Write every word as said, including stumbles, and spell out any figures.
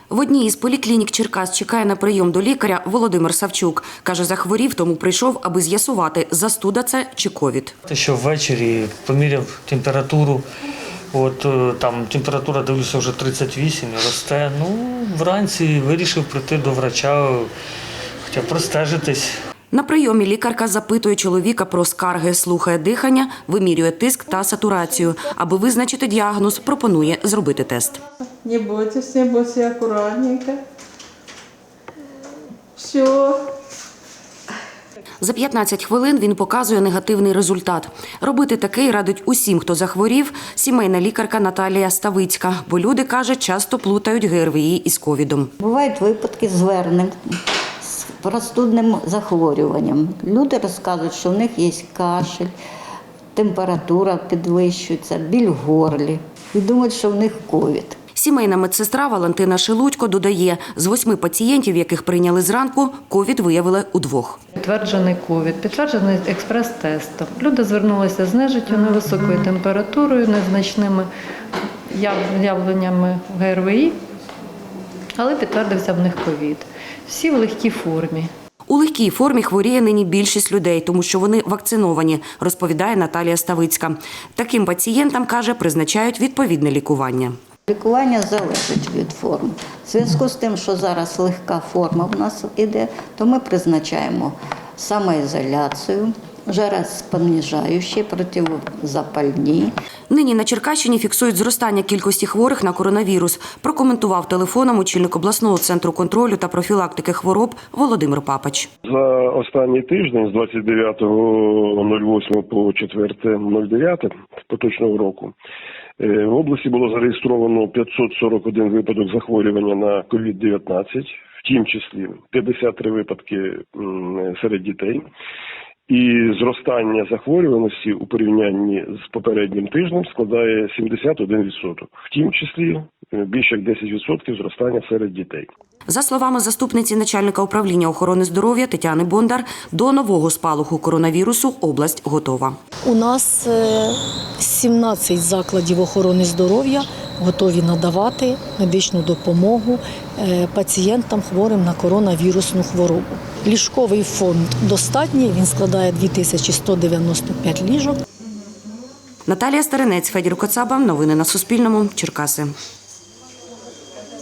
В одній із поліклінік Черкас чекає на прийом до лікаря Володимир Савчук. Каже, захворів, тому прийшов, аби з'ясувати, застуда це чи ковід. Те, що ввечері поміряв температуру, от там температура, дивлюся, вже тридцять вісім, росте. Ну, вранці вирішив прийти до врача, хоча простежитись. На прийомі лікарка запитує чоловіка про скарги, слухає дихання, вимірює тиск та сатурацію. Аби визначити діагноз, пропонує зробити тест. Не бойтесь, не бойтесь, акуратненько. Все. За п'ятнадцять хвилин він показує негативний результат. Робити такий радить усім, хто захворів, сімейна лікарка Наталія Ставицька. Бо люди, каже, часто плутають ГРВІ із ковідом. Бувають випадки звернень з простудним захворюванням. Люди розказують, що в них є кашель, температура підвищується, біль в горлі. І думають, що в них ковід. Сімейна медсестра Валентина Шелудько додає, з восьми пацієнтів, яких прийняли зранку, ковід виявили у двох. Підтверджений ковід, підтверджений експрес-тестом. Люди звернулися з нежиттю, невисокою температурою, незначними явленнями ГРВІ, але підтвердився в них ковід. Всі в легкій формі. У легкій формі хворіє нині більшість людей, тому що вони вакциновані, розповідає Наталія Ставицька. Таким пацієнтам, каже, призначають відповідне лікування. Лікування залежить від форм. В зв'язку з тим, що зараз легка форма в нас іде, то ми призначаємо самоізоляцію, жароспоніжаючі, протизапальні. Нині на Черкащині фіксують зростання кількості хворих на коронавірус, прокоментував телефоном очільник обласного центру контролю та профілактики хвороб Володимир Папач. За останній тиждень з двадцять дев'ятого восьмого по четверте дев'яте поточного року в області було зареєстровано п'ятсот сорок один випадок захворювання на ковід дев'ятнадцять, в тім числі п'ятдесят три випадки серед дітей. І зростання захворюваності у порівнянні з попереднім тижнем складає сімдесят один відсоток. В тім числі більше як десять відсотків зростання серед дітей. За словами заступниці начальника управління охорони здоров'я Тетяни Бондар, до нового спалаху коронавірусу область готова. У нас сімнадцять закладів охорони здоров'я готові надавати медичну допомогу пацієнтам, хворим на коронавірусну хворобу. Ліжковий фонд достатній, він складає дві тисячі сто дев'яносто п'ять ліжок. Наталія Старинець, Федір Коцаба. Новини на Суспільному. Черкаси.